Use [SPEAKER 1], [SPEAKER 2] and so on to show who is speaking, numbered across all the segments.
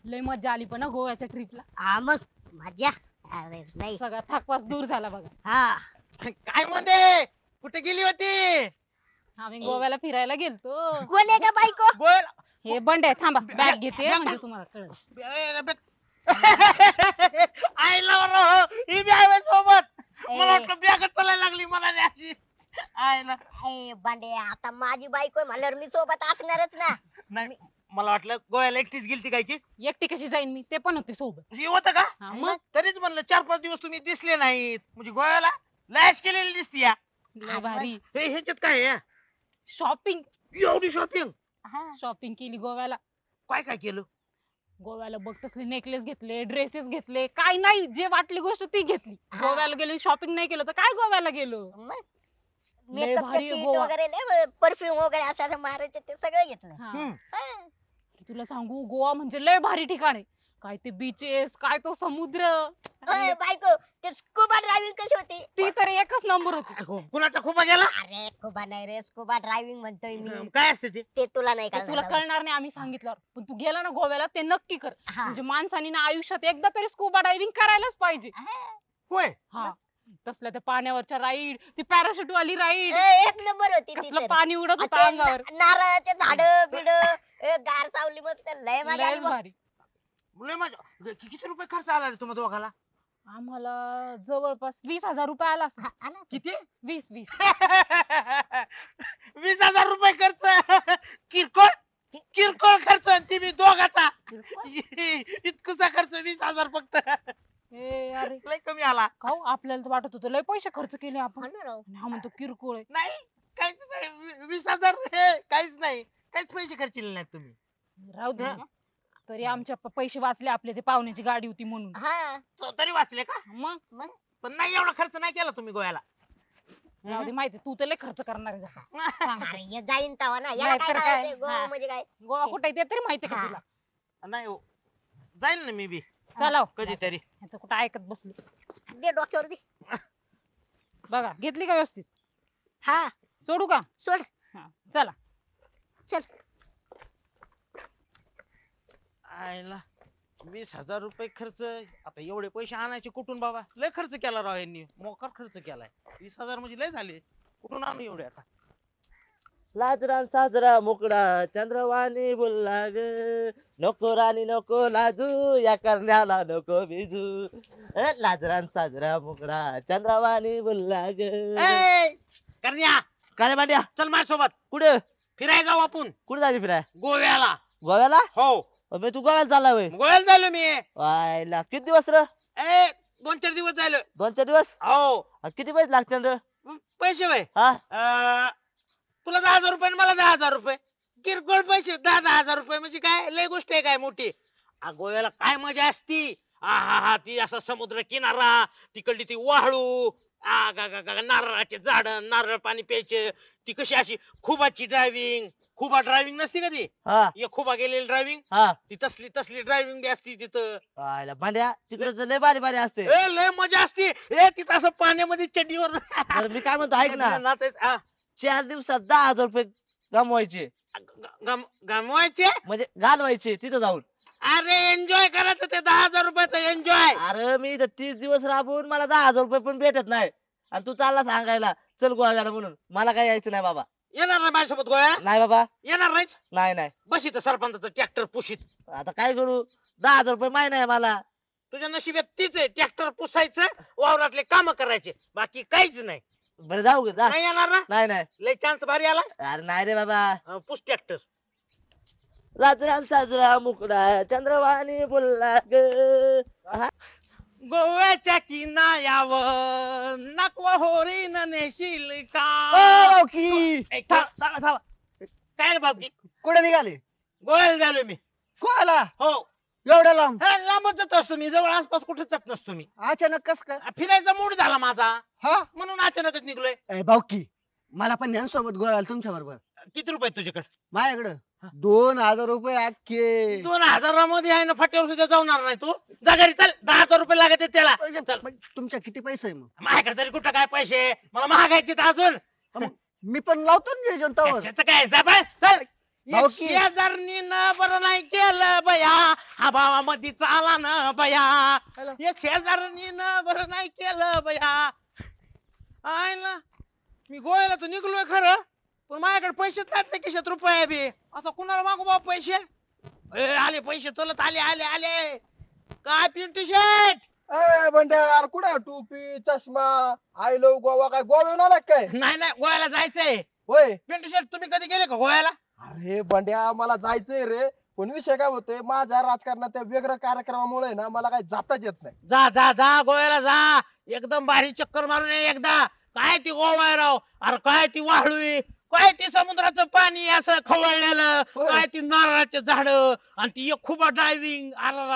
[SPEAKER 1] लय मजा आली पण गोव्याच्या ट्रिपला.
[SPEAKER 2] हा मग मजा. अरे नाही.
[SPEAKER 1] सगळा थकवास दूर झाला बघा.
[SPEAKER 2] हा
[SPEAKER 3] काय म्हणते कुठे गेली होती?
[SPEAKER 1] आम्ही गोव्याला फिरायला गेलतो.
[SPEAKER 2] कोण आहे का बायको?
[SPEAKER 3] गोल
[SPEAKER 1] हे बंडे थांबा बॅग घेते म्हणजे तुम्हाला कळलं.
[SPEAKER 3] आईला बरं ही बी आहे सोबत.
[SPEAKER 2] ए.
[SPEAKER 3] मला वाटलं बॅगच चालायला लागली मला नाही अशी. आईला
[SPEAKER 2] ए बांडे आता माझी बायको आहे म्हणल्यावर मी सोबत असणारच ना.
[SPEAKER 3] नाही मला वाटलं गोव्याला एकटीच गेलती काय की
[SPEAKER 1] एकटी कशी जाईन मी, ते पण होते सोबत.
[SPEAKER 3] जी होतं का?
[SPEAKER 1] हा, मग
[SPEAKER 3] तरीच म्हणलं 4-5 दिवस तुम्ही दिसले नाहीत म्हणजे गोव्याला लॅश केलेली दिसती या.
[SPEAKER 1] लय भारी
[SPEAKER 3] हे ह्याच्यात काय आहे?
[SPEAKER 1] शॉपिंग.
[SPEAKER 3] एवढी शॉपिंग
[SPEAKER 1] शॉपिंग केली गोव्याला.
[SPEAKER 3] काय काय केलं?
[SPEAKER 1] गोव्याला बघ तसले नेकलेस घेतले, ड्रेसेस घेतले, काय नाही जे वाटली गोष्ट ती घेतली. गोव्याला गेलो शॉपिंग नाही केलं तर काय गोव्याला गेलो. लय
[SPEAKER 2] मेकअपचं
[SPEAKER 1] भारी आहे
[SPEAKER 2] किट
[SPEAKER 1] गोवा.
[SPEAKER 2] वगैरे परफ्यूम वगैरे असं मारायचं ते सगळं घेतलं.
[SPEAKER 1] हा.
[SPEAKER 3] हम्म.
[SPEAKER 2] हा.
[SPEAKER 1] तुला सांगू गोवा म्हणजे लय भारी ठिकाण आहे. काय ते बीचेस, काय तो समुद्र.
[SPEAKER 2] ओय, बायको ते स्कुबा ड्रायव्हिंग कशी होती?
[SPEAKER 1] ती तर एकच नंबर होती.
[SPEAKER 3] कुणाचा खूप गेला?
[SPEAKER 2] अरे स्कुबा नाही रे, स्कुबा ड्रायव्हिंग म्हणतोय मी.
[SPEAKER 3] काय असते ते?
[SPEAKER 2] ते तुला नाही
[SPEAKER 1] ते तुला
[SPEAKER 2] कळणार.
[SPEAKER 1] कळणार नाही आम्ही सांगितल्यावर, पण तू गेला ना गोव्याला ते नक्की कर.
[SPEAKER 2] हा.
[SPEAKER 1] म्हणजे माणसाने ना आयुष्यात एकदा तरी स्कुबा डायव्हिंग करायलाच पाहिजे.
[SPEAKER 2] हा.
[SPEAKER 3] होय
[SPEAKER 1] हा तसल्या त्या पाण्यावरच्या राईड, ती पॅराशूट वाली राईड,
[SPEAKER 2] ए, एक नंबर होती ती
[SPEAKER 1] कसलं
[SPEAKER 2] तर.
[SPEAKER 1] पाणी उडत
[SPEAKER 2] आ,
[SPEAKER 1] होतं
[SPEAKER 2] ते
[SPEAKER 1] अंगावर.
[SPEAKER 2] नारळाचे झाड बिड गार सावली मस्त लय मजा आली
[SPEAKER 1] लयच
[SPEAKER 2] बघ.
[SPEAKER 1] भारी.
[SPEAKER 3] लय मजा. किती रुपये खर्च आला रे तुम्हा दोघाला?
[SPEAKER 1] आम्हाला जवळपास 20,000 रुपये आला असेल.
[SPEAKER 2] हा, आला.
[SPEAKER 3] किती?
[SPEAKER 1] 20
[SPEAKER 3] 20,000 रुपये खर्च. किरकोळ किरकोळ खर्च आणि ती मी दोघाचा. इतकसा खर्च 20,000 फक्त.
[SPEAKER 1] ए अरे
[SPEAKER 3] लय कमी आला.
[SPEAKER 1] खाऊ आपल्याला तर वाटत होतं लय पैसे खर्च केले आपण.
[SPEAKER 2] हा ना राव.
[SPEAKER 1] आणि हा म्हणतो किरकोळ आहे.
[SPEAKER 3] नाही काहीच नाही. 20,000 हे काहीच नाही. काहीच पैसे खर्चिले नाहीत तुम्ही.
[SPEAKER 1] राहू दे.
[SPEAKER 3] हा.
[SPEAKER 1] तरी आमच्या पैसे वाचले आपले, ते पाहुण्याची गाडी होती म्हणून.
[SPEAKER 2] हा
[SPEAKER 3] तरी वाचले का?
[SPEAKER 1] मग
[SPEAKER 3] पण नाही एवढा खर्च नाही केला तुम्ही गोव्याला.
[SPEAKER 1] राहू दे, माहिती तू तर लय खर्च करणार आहे जसा. सांग
[SPEAKER 2] अरे हे जाईन तवा ना याला
[SPEAKER 1] नाही
[SPEAKER 2] काय
[SPEAKER 1] तर
[SPEAKER 2] राव
[SPEAKER 1] काय.
[SPEAKER 2] ते गोवा
[SPEAKER 1] हा.
[SPEAKER 2] म्हणजे काय.
[SPEAKER 1] गोवा कुठे आहे ते तरी माहिती का
[SPEAKER 2] हा.
[SPEAKER 1] तुला.
[SPEAKER 3] नाही हो. जाईल ना मी बी
[SPEAKER 1] चला
[SPEAKER 3] कधीतरी.
[SPEAKER 1] ह्याचं कुठं ऐकत बसले.
[SPEAKER 2] दे डोक्यावर दे.
[SPEAKER 1] बघा घेतली का व्यवस्थित,
[SPEAKER 2] हा
[SPEAKER 1] सोडू का.
[SPEAKER 2] सोड.
[SPEAKER 1] हा, चला.
[SPEAKER 2] चल.
[SPEAKER 3] आयला 20,000 रुपये खर्च. आता एवढे पैसे आणायचे कुठून बाबा? लय खर्च केला राव यांनी. मोकार खर्च केलाय. 20,000 म्हणजे लय झाले. कुठून आणू एवढे आता?
[SPEAKER 4] लाजरा साजरा मोकळा चंद्रवाणी बोलला ग, नको राणी नको लाजू या करण्याला नको बिजू. लाजरा साजरा मोकळा चंद्रवाणी बोलला ग.
[SPEAKER 3] ए, करण्या
[SPEAKER 4] काय रे भांड्या,
[SPEAKER 3] चल माझ्यासोबत
[SPEAKER 4] कुठे
[SPEAKER 3] फिरायला जाऊ आपण
[SPEAKER 4] कुठे झाली फिराय?
[SPEAKER 3] गोव्याला.
[SPEAKER 4] गोव्याला?
[SPEAKER 3] हो
[SPEAKER 4] अबे तू गोव्याला चालला होय?
[SPEAKER 3] गोव्याला झालो मी.
[SPEAKER 4] वायला किती दिवस र?
[SPEAKER 3] 2-4 दिवस झालो.
[SPEAKER 4] 2-4 दिवस?
[SPEAKER 3] हो.
[SPEAKER 4] आणि किती पैसे लागतील र?
[SPEAKER 3] पैसे वय
[SPEAKER 4] हा
[SPEAKER 3] तुला 10,000 रुपये आणि मला 10,000 रुपये. किरकोळ पैसे. 10,000 रुपये म्हणजे काय लय गोष्ट आहे काय मोठी. गोव्याला काय मजा असती. हा हा ती असा समुद्र किनारा, तिकडली ती वाळू, नारळाचे झाड, नारळ पाणी प्यायचे, ती कशी अशी खुबाची ड्रायव्हिंग. खुबा ड्रायव्हिंग नसती का ती?
[SPEAKER 4] हा
[SPEAKER 3] एक खुबा गेलेली ड्रायव्हिंग.
[SPEAKER 4] हा.
[SPEAKER 3] ती तसली ड्रायव्हिंग बी असती तिथं.
[SPEAKER 4] वायला भांड्या तिकडे लय भारी भारी असते.
[SPEAKER 3] लय मजा असती. तिथं असं पाण्यामध्ये चड्डीवर
[SPEAKER 4] बरं मी काय म्हणतो ऐक ना,
[SPEAKER 3] नाचायचं. हा.
[SPEAKER 4] 4 दिवसात 10,000 रुपये गमवायचे
[SPEAKER 3] गमवायचे.
[SPEAKER 4] म्हणजे घालवायचे तिथं जाऊन.
[SPEAKER 3] अरे एन्जॉय करायचं ते 10,000 रुपयाचं एन्जॉय.
[SPEAKER 4] अरे मी इथं 30 दिवस राबून मला 10,000 रुपये पण भेटत नाही, आणि तू चालला सांगायला चल गोव्याला म्हणून. मला काय यायचं नाही बाबा.
[SPEAKER 3] येणार ना माझ्यासोबत गोव्याला?
[SPEAKER 4] नाही बाबा,
[SPEAKER 3] येणार नाहीच.
[SPEAKER 4] नाही नाही.
[SPEAKER 3] बस इथं सरपंचाचं ट्रॅक्टर पुशीत.
[SPEAKER 4] आता काय करू, 10,000 रुपये माहिती आहे मला.
[SPEAKER 3] तुझ्या नशिबात तीच आहे. ट्रॅक्टर पुसायचं, वावरातले काम करायचे, बाकी काहीच नाही.
[SPEAKER 4] बरं जाऊ गे जा.
[SPEAKER 3] नाही येणार ना?
[SPEAKER 4] नाही नाही.
[SPEAKER 3] लय चान्स भारी आला.
[SPEAKER 4] अरे नाही रे बाबा.
[SPEAKER 3] पुस ट्रॅक्टर.
[SPEAKER 4] राजरा साजरा मुकडा चंद्रवाणी बोलला ग.
[SPEAKER 3] गोव्याच्या किनाऱ्यावर नकवा होरीन नेशील का? ए, काय रे बाबकी?
[SPEAKER 5] कुठे निघाले?
[SPEAKER 3] गोव्याला झालो मी.
[SPEAKER 5] कोणाला
[SPEAKER 3] हो.
[SPEAKER 5] एवढ्या लांब?
[SPEAKER 3] लांबच जात असतो मी. जवळ आसपास कुठे जात नसतो मी.
[SPEAKER 5] अचानक कस काय?
[SPEAKER 3] फिरायचा मूड झाला माझा,
[SPEAKER 5] हा
[SPEAKER 3] म्हणून अचानकच निघलोय.
[SPEAKER 5] भाऊकी मला पण ध्यान सोबत गोव्याला तुमच्या बरोबर.
[SPEAKER 3] किती रुपये तुझ्याकडे?
[SPEAKER 5] माझ्याकडं 2,000 रुपये अख्खे.
[SPEAKER 3] 2,000 मध्ये आहे ना, फाट्यावर सुद्धा जाणार नाही तू. जा घरी चल. 10,000 रुपये लागत आहेत त्याला. चल.
[SPEAKER 5] मग तुमच्या किती पैसे आहे मग?
[SPEAKER 3] माझ्याकडे तरी कुठं काय पैसे, मला महागायचे अजून.
[SPEAKER 5] मी पण लावतो ना नियोजन तवर.
[SPEAKER 3] कशाचं काय जा बाय, चल.
[SPEAKER 5] भाऊकी.
[SPEAKER 3] शेजारनी न बरं नाही केलं बया, हा भावामध्ये चाला ना बया
[SPEAKER 4] हॅलो.
[SPEAKER 3] या शेजाऱ्यांनी ना बरं नाही केलं बया आहे ना मी गोव्याला तर निघलोय खरं पण माझ्याकडे पैसेच नाहीत ना खिशात रुपये बी आता कुणाला मागू बाबा पैसे आले पैसे चलत आले आले आले काय पिंटू शेट
[SPEAKER 6] ए बंड्या यार कुठे टोपी चष्मा आय लव गोवा काय गोव्याहून आला काय
[SPEAKER 3] नाही नाही गोव्याला जायचंय
[SPEAKER 6] होय
[SPEAKER 3] पिंटू शेट तुम्ही कधी गेले का गोव्याला
[SPEAKER 6] अरे बंड्या मला जायचंय रे पण विषय काय होतोय माझ्या राजकारणात त्या वेगळ्या कार्यक्रमामुळे ना मला काही जाताच येत नाही
[SPEAKER 3] जा जा जा गोव्याला जा एकदम भारी चक्कर मारून ये एकदा काय ती गोवा राव अरे काय ती वाळू काय ती समुद्राचं पाणी असं खवळलेलं
[SPEAKER 6] होय.
[SPEAKER 3] काय ती नारळाचे झाड आणि ती एक खूप ड्रायव्हिंग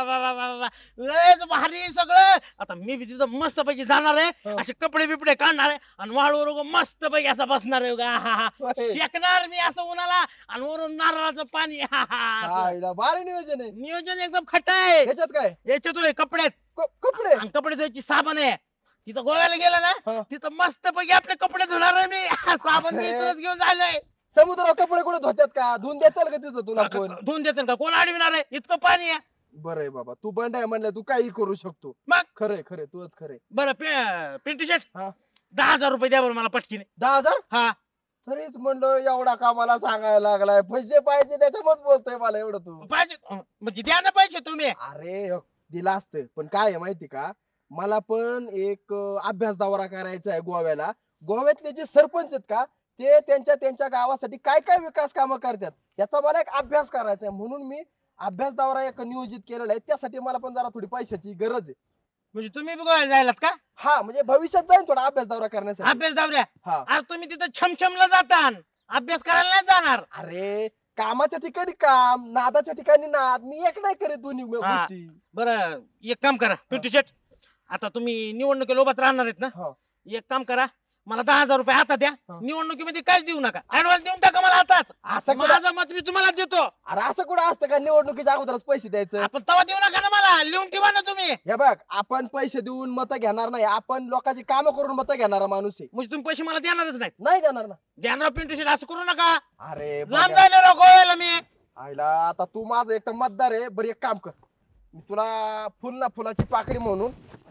[SPEAKER 3] लयच भारी सगळं आता मी बी तिथं मस्त पैकी जाणार आहे
[SPEAKER 6] हो.
[SPEAKER 3] असे कपडे बिपडे काढणार आहे आणि वाळूवर मस्त पैकी असं बसणार आहे हा हा
[SPEAKER 6] होय.
[SPEAKER 3] शेकणार मी असं उन्हाला आणि वरून नारळाचं पाणी हा हा असं.
[SPEAKER 6] आईला भारी नियोजन आहे
[SPEAKER 3] नियोजन एकदम खट आहे
[SPEAKER 6] ह्याच्यात काय
[SPEAKER 3] याच्यात होय कपड्यात
[SPEAKER 6] कपडे
[SPEAKER 3] आणि कपडे धुवायची साबण आहे तिथं गोव्याला गेला ना
[SPEAKER 6] हा.
[SPEAKER 3] तिथं मस्त पैकी आपले कपडे धुणार आहे मी साबण मी इथूनच घेऊन जायलोय
[SPEAKER 6] समुद्रावर कपडे कुठे धुत्यात का धुवून देताल का तिथं तुला कोण
[SPEAKER 3] धुवून देते का कोण अडविणार आहे इतकं पाणी आहे
[SPEAKER 6] बरं आहे बाबा तू बंड आहे म्हणलं तू काही करू शकतो
[SPEAKER 3] मग?
[SPEAKER 6] खरंय खरंय तूच खरंय
[SPEAKER 3] बरं पिंटू शेट
[SPEAKER 6] हा.
[SPEAKER 3] 10,000 रुपये द्या बरं मला पटकीने
[SPEAKER 6] 10,000
[SPEAKER 3] हा
[SPEAKER 6] तरीच म्हणलं एवढा कामाला सांगायला लागलाय पैसे पाहिजे त्याच्यामुळेच बोलतोय मला एवढं तू
[SPEAKER 3] पाहिजे म्हणजे द्या ना पैसे तुम्ही
[SPEAKER 6] अरे दिलं असतं पण काय आहे माहिती का मला पण एक अभ्यास दौरा करायचा आहे गोव्याला गोव्यातले जे सरपंच आहेत का ते त्यांच्या गावासाठी काय काय विकास कामं करतात याचा मला एक अभ्यास करायचा आहे म्हणून मी अभ्यास दौरा एक नियोजित केलेला आहे त्यासाठी मला पण जरा थोडी पैशाची गरज आहे
[SPEAKER 3] म्हणजे तुम्ही बी गोव्याला जायलात का
[SPEAKER 6] हा म्हणजे भविष्यात जाईन थोडा अभ्यास दौरा करण्यासाठी
[SPEAKER 3] अभ्यास दावऱ्या
[SPEAKER 6] हा
[SPEAKER 3] अरे तुम्ही तिथं छमछमला जाता अभ्यास करायला नाही जाणार
[SPEAKER 6] अरे कामाच्या ठिकाणी काम नादाच्या ठिकाणी नाद मी एक नाही करत दोन्ही
[SPEAKER 3] हा.
[SPEAKER 6] गोष्टी
[SPEAKER 3] बरं एक काम करा पिंटू शेट आता तुम्ही निवडणुकीला उभाच राहणार आहेत ना
[SPEAKER 6] हा.
[SPEAKER 3] एक काम करा मला 10,000 रुपये आता द्या
[SPEAKER 6] हा.
[SPEAKER 3] निवडणुकीमध्ये काहीच देऊ नका ऍडव्हान्स देऊन टाका मला आताच
[SPEAKER 6] असं कुठं
[SPEAKER 3] माझं मत मी तुम्हाला देतो
[SPEAKER 6] अरे असं कुठं असतं का निवडणुकीच्या अगोदरच पैसे द्यायचं
[SPEAKER 3] आपण तवा देऊ नका ना मला लिहून ठेवा ना तुम्ही
[SPEAKER 6] हे बघ आपण पैसे देऊन मत घेणार नाही आपण लोकांची कामं करून मत घेणारा माणूस आहे
[SPEAKER 3] म्हणजे तुम्ही पैसे मला देणारच नाही
[SPEAKER 6] नाही देणार ना
[SPEAKER 3] देणार पिंटू शेट असं करू नका
[SPEAKER 6] अरे
[SPEAKER 3] लांब
[SPEAKER 6] बघा.
[SPEAKER 3] जायला राव गोव्याला मी
[SPEAKER 6] आईला आता तू माझं एक तर मतदार आहे बरं एक काम कर मी तुला फुल ना फुलाची पाकळी म्हणून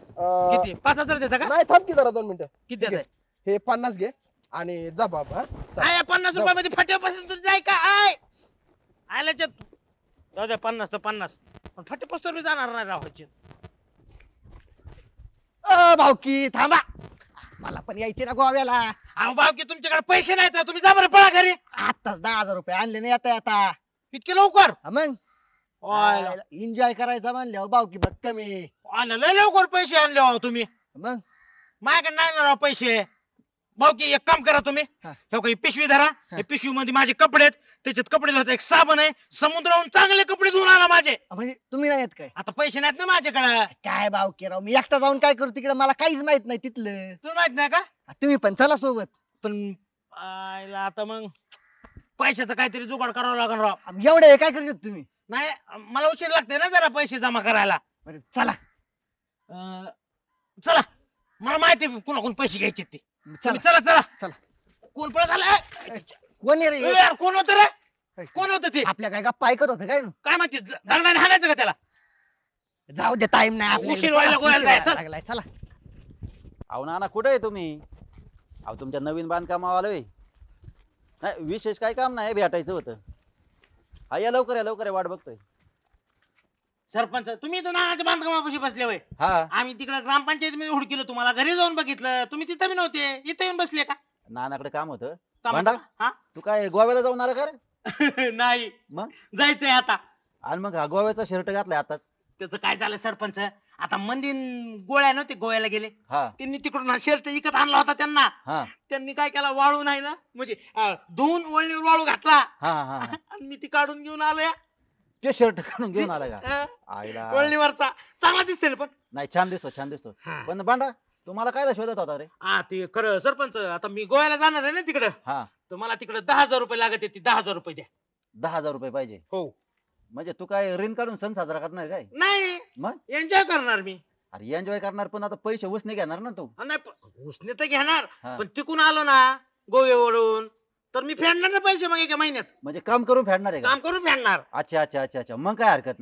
[SPEAKER 3] किती 5,000 देता का
[SPEAKER 6] नाही थांब की जरा 2 मिनिटं
[SPEAKER 3] किती
[SPEAKER 6] ठीक आहे. हे 50 घे आणि जा बाबा हा. चल.
[SPEAKER 3] आय 50 रुपयामध्ये फाट्यापासून तुझं जाय का आय आयला जाऊ द्या 50 तर 50 पण फाट्यापासून मी जाणार नाही राहायचे
[SPEAKER 5] भाऊकी थांबा मला पण यायचे ना गोव्याला
[SPEAKER 3] अहो भाऊ की तुमच्याकडे पैसे नाहीत ना, तुम्ही जा बरं पळा घरी
[SPEAKER 5] आताच 10,000 रुपये आणले नाही आता आता
[SPEAKER 3] इतके लवकर
[SPEAKER 5] मग
[SPEAKER 3] आयला
[SPEAKER 5] एन्जॉय करायचा म्हणल्यावर भाऊकी बघ कमी
[SPEAKER 3] आयला, लय लवकर पैसे आणले हो तुम्ही
[SPEAKER 5] मग
[SPEAKER 3] माझ्याकडे नाही ना राव पैसे भाऊ की एक काम करा तुम्ही
[SPEAKER 5] हा.
[SPEAKER 3] हे काही पिशवी धरा हे पिशवी मध्ये माझे कपडे आहेत त्याच्यात कपडे धुवायचा एक साबण आहे समुद्रावरून चांगले कपडे धुवून आणा माझे
[SPEAKER 5] म्हणजे तुम्ही नाही येत काय
[SPEAKER 3] आता पैसे नाहीत ना माझ्याकडे
[SPEAKER 5] काय भाऊकी राव मी एकटा जाऊन काय करू तिकडे मला काहीच माहित नाही तिथलं
[SPEAKER 3] तुला माहित नाही का
[SPEAKER 5] तुम्ही पण चला सोबत
[SPEAKER 3] पण आयला आता मग पैशाचं काहीतरी जुगाड करावं लागेल राव
[SPEAKER 5] एवढे काय करतो तुम्ही
[SPEAKER 3] नाही मला उशीर लागते ना जरा पैसे जमा करायला
[SPEAKER 5] बरं चला
[SPEAKER 3] चला मला माहिती आहे कुणाकडून पैसे घ्यायचे ते
[SPEAKER 5] चला
[SPEAKER 3] तुम्ही चला चला
[SPEAKER 5] चला.
[SPEAKER 3] कोण पळत आलं
[SPEAKER 5] कोण आहे रे
[SPEAKER 3] यार कोण होत रे कोण होत ते
[SPEAKER 5] आपल्या काय गप्पा ऐकत होत काय
[SPEAKER 3] काय माहिती दंडाने हाणायचं का त्याला
[SPEAKER 5] जाऊ दे टाइम नाही आपल्याकडे.
[SPEAKER 3] उशीर व्हायला
[SPEAKER 5] चला,
[SPEAKER 3] गोव्याला
[SPEAKER 5] उशीर
[SPEAKER 3] जायचं.
[SPEAKER 5] व्हायला लागलाय, चला
[SPEAKER 7] अहो नाना कुठे आहे तुम्ही अहो तुमच्या नवीन बांधकामावर आलोय नाही विशेष काय काम नाही भेटायचं होतं हा या लवकर या लवकर या, वाट बघतोय
[SPEAKER 3] सरपंच तुम्ही तर नानाच्या बांधकामापाशी बसले होय
[SPEAKER 7] हा
[SPEAKER 3] आम्ही तिकडे ग्रामपंचायतीमध्ये हुडकिलं तुम्हाला घरी जाऊन बघितलं तुम्ही तिथं बी नव्हते इथं येऊन बसले का
[SPEAKER 7] नानाकडे काम होतं
[SPEAKER 3] का
[SPEAKER 7] भांडा?
[SPEAKER 3] हा
[SPEAKER 7] तू काय गोव्याला जाऊन आला का रे
[SPEAKER 3] नाही
[SPEAKER 7] मग
[SPEAKER 3] जायचंय आता
[SPEAKER 7] आणि मग हा गोव्याचा शर्ट घातलाय आताच
[SPEAKER 3] त्याचं काय झालं सरपंच आता मंदिर गोळ्या नव्हते गोव्याला गेले
[SPEAKER 7] हा
[SPEAKER 3] त्यांनी तिकडून शर्ट विकत आणला होता त्यांना
[SPEAKER 7] हा
[SPEAKER 3] त्यांनी काय केला वाळू नाही ना म्हणजे धुवून वळणीवर वाळू घातला
[SPEAKER 7] हा हा हा.
[SPEAKER 3] आणि मी ती काढून घेऊन आलोय
[SPEAKER 7] ते शर्ट काढून घेऊन आला का
[SPEAKER 3] अं,
[SPEAKER 7] आईला
[SPEAKER 3] वळणीवरचा चांगला दिसते ना पण
[SPEAKER 7] नाही छान दिसतो छान दिसतो
[SPEAKER 3] हा.
[SPEAKER 7] पण भांडा तुम्हाला काय शोधत होता रे
[SPEAKER 3] हा ते खरं सरपंच आता मी गोव्याला जाणार आहे ना तिकडं
[SPEAKER 7] हा
[SPEAKER 3] तर मला तिकडे 10,000 रुपये लागत ती 10,000 रुपये द्या
[SPEAKER 7] 10,000 रुपये पाहिजे
[SPEAKER 3] हो
[SPEAKER 7] म्हणजे तू काय ऋण काढून सण साजरा करणार काय
[SPEAKER 3] नाही
[SPEAKER 7] मग
[SPEAKER 3] एन्जॉय करणार मी
[SPEAKER 7] अरे एन्जॉय करणार पण आता पैसे उसने घेणार ना तू
[SPEAKER 3] नाही उसने तर घेणार
[SPEAKER 7] हा.
[SPEAKER 3] पण तिकून आलो ना गोव्यावरून तर मी फेडणार ना पैसे मग एका महिन्यात
[SPEAKER 7] म्हणजे काम करून फेडणार आहे का
[SPEAKER 3] काम करून फेडणार
[SPEAKER 7] अच्छा अच्छा अच्छा अच्छा मग काय हरकत नाही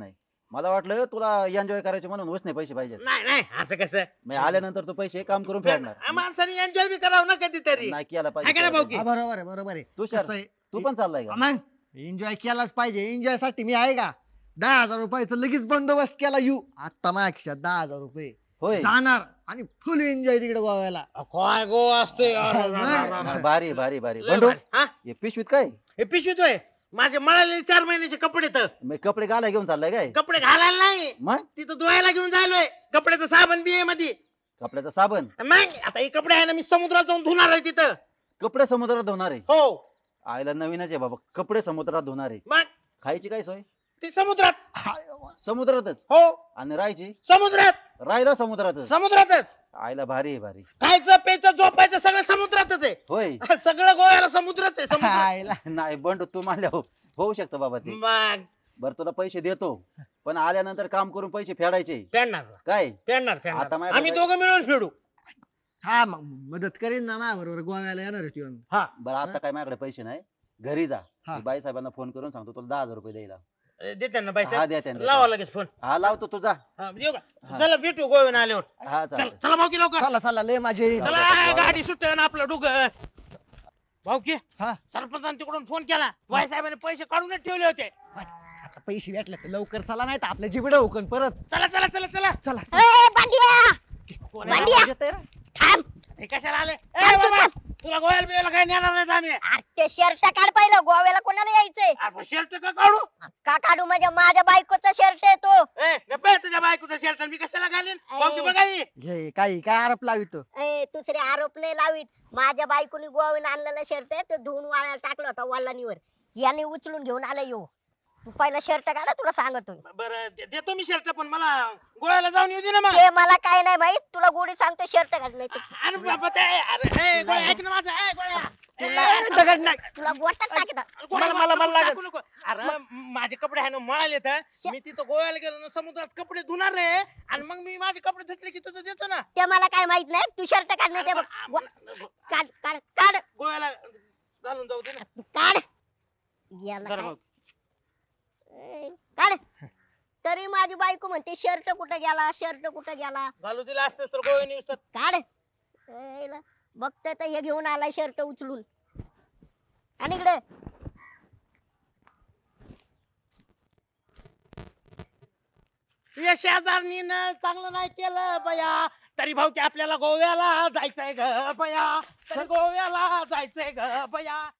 [SPEAKER 7] मला वाटलं तुला एन्जॉय करायचे म्हणून उसने पैसे पाहिजे
[SPEAKER 3] नाही नाही असं कसं
[SPEAKER 7] मग आल्यानंतर तू पैसे काम करून फेडणार
[SPEAKER 3] माणसाने एन्जॉय बी करावं ना कधीतरी
[SPEAKER 7] नाही केला
[SPEAKER 3] हाय का नाही भाऊ की?
[SPEAKER 7] पाहिजे
[SPEAKER 5] बरोबर आहे बरोबर आहे
[SPEAKER 7] तुषार,
[SPEAKER 5] कसं आहे,
[SPEAKER 7] तू पण चाललाय का
[SPEAKER 5] मग एन्जॉय केलाच पाहिजे एन्जॉय साठी मी आहे का 10,000 रुपयाचा लगेच बंदोबस्त केला येऊ आता माझ्या खिशात 10,000 रुपये
[SPEAKER 7] होय
[SPEAKER 5] जाणार आणि फुल एन्जॉय तिकडे गोव्याला
[SPEAKER 3] काय गोवा असते
[SPEAKER 7] नाही, भारी भारी भारी बंडू हे पिशवीत काय
[SPEAKER 3] हे पिशवीत होय माझे मळालेले 4 महिन्याचे कपडे तर
[SPEAKER 7] मग कपडे घालाय घेऊन चाललाय काय
[SPEAKER 3] कपडे घालायला नाही
[SPEAKER 7] मग
[SPEAKER 3] तिथं धुवायला घेऊन जायलोय कपड्याचं साबण बी आहे मध्ये
[SPEAKER 7] कपड्याचा साबण
[SPEAKER 3] मग आता हे कपडे आहे ना मी समुद्रात जाऊन धुणार आहे तिथं
[SPEAKER 7] कपडे समुद्रात धुणार आहे
[SPEAKER 3] हो
[SPEAKER 7] आयला नवीनच आहे बाबा कपडे समुद्रात धुणार आहे
[SPEAKER 3] मग
[SPEAKER 7] खायची काय सोय
[SPEAKER 3] ते समुद्रात
[SPEAKER 7] समुद्रातच
[SPEAKER 3] हो
[SPEAKER 7] आणि राहायची
[SPEAKER 3] समुद्रात
[SPEAKER 7] राहायला समुद्रातच
[SPEAKER 3] समुद्रातच
[SPEAKER 7] आयला भारी आहे भारी
[SPEAKER 3] खायचं प्यायचं झोपायचं सगळं समुद्रातच आहे
[SPEAKER 7] होय
[SPEAKER 3] सगळं गोव्याला समुद्रच आहे समुद्र
[SPEAKER 5] खायला.
[SPEAKER 7] नाही बंडू तू मानल्या होऊ शकतं बाबा ते
[SPEAKER 3] मग
[SPEAKER 7] बरं तुला पैसे देतो पण आल्यानंतर काम करून पैसे फेडायचे
[SPEAKER 3] फेडणार
[SPEAKER 7] काय
[SPEAKER 3] फेडणार
[SPEAKER 7] आता
[SPEAKER 3] फेडणार
[SPEAKER 7] माझ्याकडे
[SPEAKER 3] आम्ही
[SPEAKER 7] काय-
[SPEAKER 3] दोघं मिळून फेडू
[SPEAKER 5] हा मग मदत करीन ना माझ्या बरोबर गोव्याला येणार आहे येऊन
[SPEAKER 3] हा
[SPEAKER 7] बरं आता काय माझ्याकडे पैसे नाही घरी जा
[SPEAKER 5] हा.
[SPEAKER 7] मी बाई साहेबांना फोन करून सांगतो तुला 10,000 रुपये द्यायला
[SPEAKER 3] देते ना
[SPEAKER 7] हा
[SPEAKER 3] पैसे
[SPEAKER 7] द्या त्यांना
[SPEAKER 3] लावा लगेच फोन
[SPEAKER 7] हा लावतो तू जा
[SPEAKER 3] हा, येऊ का
[SPEAKER 7] हा.
[SPEAKER 3] चला भेटू गोव्याला आल्यावर
[SPEAKER 7] हा
[SPEAKER 3] चला
[SPEAKER 7] चालेल
[SPEAKER 3] चला भाऊकी लवकर
[SPEAKER 5] चला चला लय माझे
[SPEAKER 7] चला.
[SPEAKER 3] चला गाडी सुटते ना आपलं डुग भाऊकी
[SPEAKER 5] हा
[SPEAKER 3] सरपंचाने तिकडून फोन केला वाय साहेबांनी पैसे काढूनच ठेवले होते
[SPEAKER 5] आता पैसे भेटले तर लवकर चला नाही तर आपल्या जिबड होकन परत
[SPEAKER 3] चला चला चला चला
[SPEAKER 5] चला
[SPEAKER 2] ए बांडिया
[SPEAKER 3] कोण आहे?
[SPEAKER 2] बांडिया.
[SPEAKER 5] आवाज येतोय ना?
[SPEAKER 2] थांब
[SPEAKER 3] हे कशाला आले
[SPEAKER 2] थांब,
[SPEAKER 3] ए बाबा
[SPEAKER 2] थांब.
[SPEAKER 3] तुला गोव्याला बिव्याला काही नेणार नाहीत आम्ही
[SPEAKER 2] अरे ते शर्ट काढ पहिलं गोव्याला कोणाला यायचंय
[SPEAKER 3] शर्ट का काढू
[SPEAKER 2] का काढू माझ्या बायकोचा शर्ट आहे तो
[SPEAKER 3] ए गप्प आहे तुझ्या बायकोचा शर्ट मी कशाला घालीन भाऊकी बघा ही.
[SPEAKER 5] घे काही काय आरोप लावितो
[SPEAKER 2] ए दुसरे आरोप नाही लावीत माझ्या बायकोनी गोव्याला आणलेला शर्ट आहे तो धुवून वाळायला टाकला होता वल्लानीवर याने उचलून घेऊन आला येऊ तू पहिला शर्ट काढा तुला सांगतोय
[SPEAKER 3] बरं देतो मी शर्ट पण मला गोव्याला जाऊन येऊ दे ना मग
[SPEAKER 2] ते मला काय नाही माहित तुला गोडी सांगतो शर्ट काढ नाही तर
[SPEAKER 3] अरे बाबा ते अरे ए, गोळ्या ऐक ना माझं ए, गोळ्या
[SPEAKER 2] तुला
[SPEAKER 3] ए,
[SPEAKER 5] दगड नाही
[SPEAKER 2] तुला गोटात टाकीत
[SPEAKER 3] गोळ्या,
[SPEAKER 5] मला लागत.
[SPEAKER 3] टाकू नको. अरे माझे कपडे आहे ना मळाले तर मी तिथं गोव्याला गेलो ना समुद्रात कपडे धुणार रे आणि मग मी माझे कपडे धुतले की तुझं देतो ना
[SPEAKER 2] ते मला काय माहित नाही तू शर्ट काढ नाही ते बघ काढ काढ काढ
[SPEAKER 3] गोव्याला घालून जाऊ दे ना
[SPEAKER 2] काढ याला
[SPEAKER 3] जरा
[SPEAKER 2] काय?
[SPEAKER 3] बघ.
[SPEAKER 2] ए, काढ तरी माझी बायको म्हणते शर्ट कुठे गेला शर्ट कुठे गेला
[SPEAKER 3] घालू दिला असतेस तर गोव्याने येऊस तर
[SPEAKER 2] काढ ए, ल, बघतोय तर हे घेऊन आलाय शर्ट उचलून आणि इकडे
[SPEAKER 3] या शेजारणीनं चांगलं नाही केलं बया तरी भाऊ की आपल्याला गोव्याला जायचंय ग बया तरी गोव्याला जायचंय ग बया